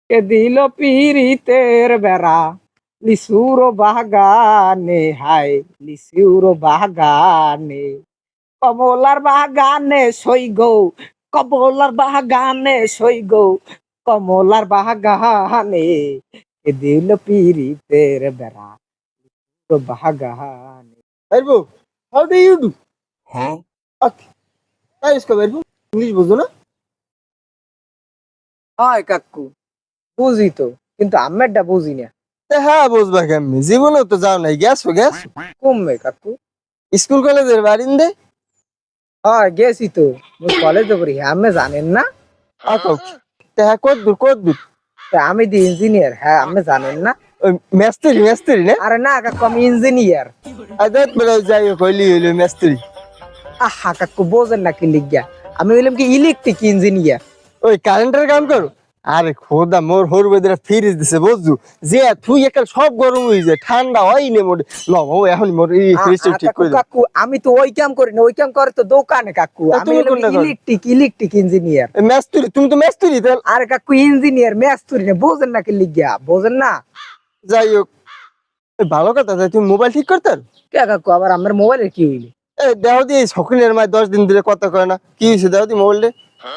কে দিল পিরিতের বেড়া লিসুর বাগানে, হায় লিসুর বাগানে, কমলার বাগানে সই গো, কমলার বাগানে সই গো, কমলার বাগানে কে দিল পিরিতের বেড়া বাগানে। Verbo, how do you do? Okay, তাই ইসকা verbo, ইংলিশ বুঝো না? হয় কাকু, বুঝি তো, কিন্তু আমেরটা বুঝি না। হ্যাঁ বুঝবা কেমনি, জীবনে তো যাও নাই, গেছো কমবে কাকু। স্কুল কলেজের বারিন্দে। হয় গেছি তো, কলেজে পড়ি, আমি জানেন না। আচ্ছা হ্যাঁ, কত দূর তা আমি দি ইঞ্জিনিয়ার, হ্যাঁ আপনি জানেন না। ওই মেস্ত্রি না? আরে না কাকু, আমি ইঞ্জিনিয়ার। আদাত বেলা যাই কইলি হইলো মেস্ত্রি। আহা কাকু, বোঝেন না কি লিখিয়া, আমি হইলাম কি ইলেকট্রিক ইঞ্জিনিয়ার। ওই কারেন্টের কাম করো? আরে খোদা, মোর হর বেদরা ফ্রিজ দিছে বুঝছু, যে তুই একাল সব গরম হয়ে যায়, ঠান্ডা হয় নে মোর। লও এখন মোর এই ফ্রিজটা ঠিক কাকু করে দাও। কাকু, আমি তো ওই কাম করি না, ওই কাম করে তো দোকানে কাকু। তা আমি তুমি হইলাম কোনটা করো? Electric engineer. মেস্ত্রি, তুমি তো মেস্ত্রি তাহলে। আরে কাকু ইঞ্জিনিয়ার, মেস্তুরি না, বোঝেন না কি লিখিয়া, বোঝেন না। যাই হোক, ভালো কথা, তাই তুমি মোবাইল ঠিক করতে পারো? কে কাকু, আবার আমার মোবাইলের কি হইলি? দেহ দিয়ে শখিনের মায় 10 দিন ধরে কথা কয় না, কি হয়েছে দেহ দি মোবাইলটা?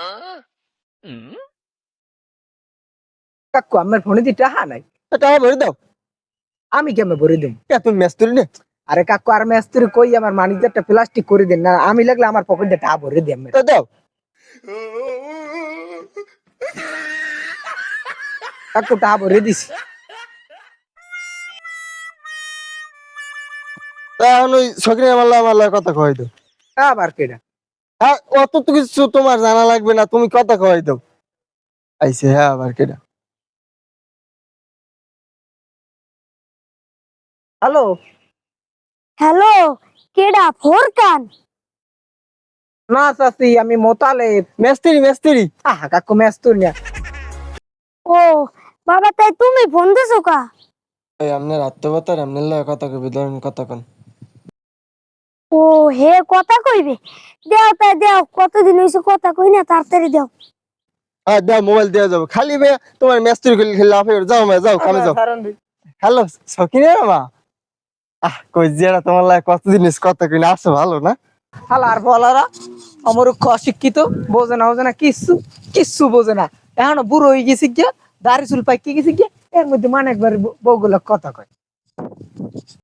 কাকু আমার ফোনে দি টাহা নাই। টাকা ভরে দাও। আমি কেমন ভরে দিম? তুমি মেস্ত্রি না? আরে কাকু, আর মেস্তুরি কই, আমার মানিজারটা প্লাস্টিক করে দেন না, আমি লাগলে আমার পকেটে টাকা ভরে দিই। তা দাও। কাকু টাকা ভরে দিছি। তা এখন ওই শখিনের মাল্লা কথা কয় দাও। আবার কেডা? হ্যাঁ, অত তো কিছু তোমার জানা লাগবে না, তুমি কথা কয় দাও। আইছে, হ্যাঁ আবার কেডা? হ্যালো। হ্যালো, কেডা ফোরকান? না চাচি, আমি মোতালে। মেস্ত্রি। আহা কাকু, মেস্তুরি না। ও বাবা, তাই তুমি ফোন দিছো কা? এই আপনার আত্মকথার আপনার লগে কথা কইবে, ধরেন কথা কন। ও হে, কথা কইবে? দেও তাই দেও, কতদিন হইছে কথা কই না, তাড়াতাড়ি দেও। হ্যাঁ দাও, মোবাইল দেওয়া যাবে, খালি ভাইয়া তোমার মেস্ত্রি খেলে খেলে লাফে যাও মা, যাও কামে যাও। হ্যালো শখিনের মা, কই জিয়ারা তোমার লাগে কতদিন কথা কই না, আসো ভালো না? হালার বলারা আমার অশিক্ষিত, বোঝে না বোঝে না, কিচ্ছু কিচ্ছু বোঝে না। এখনো বুড়ো হয়ে গেছি গিয়া, দাড়ি চুল পাইকে গেছি গিয়া, এর মধ্যে মানে একবার বউগুলো কথা কয়।